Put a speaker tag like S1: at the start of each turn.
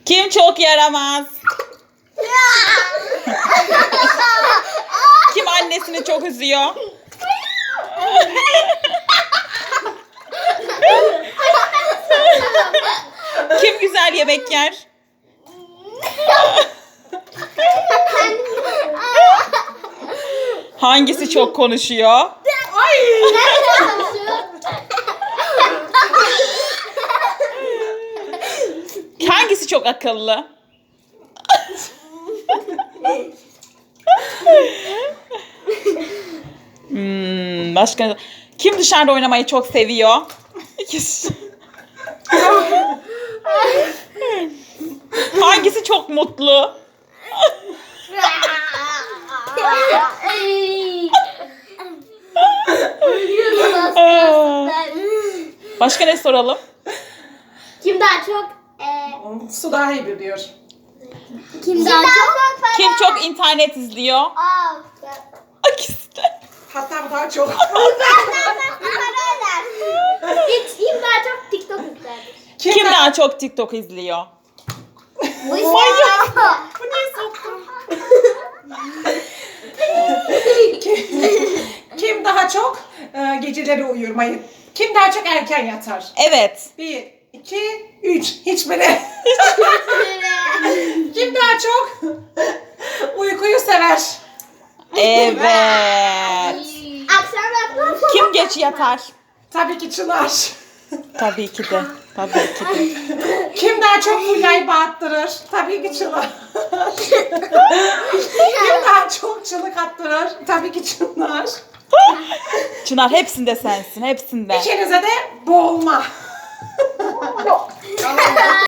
S1: Kim çok yaramaz? Kim annesini çok üzüyor? Kim güzel yemek yer? Hangisi çok konuşuyor? Hangisi çok akıllı? Başka kim dışarıda oynamayı çok seviyor? İkisi. Hangisi çok mutlu? Başka ne soralım?
S2: Kim daha çok
S3: Su daha iyi biliyor.
S2: kim daha çok
S1: Kim çok internet izliyor? İkisi de.
S3: Hatta bu daha çok.
S2: Kim daha çok TikTok yüklerdir?
S1: Kim daha çok TikTok izliyor?
S2: Bu niye
S3: soktun? Kim daha çok geceleri uyurmayı? Kim daha çok erken yatar?
S1: Evet.
S3: 1, 2, 3. Hiçbiri. Kim daha çok uykuyu sever?
S1: Evet.
S2: Akşam yapmam.
S1: Kim geç yatar?
S3: Tabii ki Çınar.
S1: Tabii ki de. Tabii ki de.
S3: Kim daha çok fulyayı bağıttırır? Tabii ki Çınar. Kim daha çok çığlık attırır? Tabii ki Çınar.
S1: Çınar hepsinde sensin. Hepsinde.
S3: İkinize de boğulma.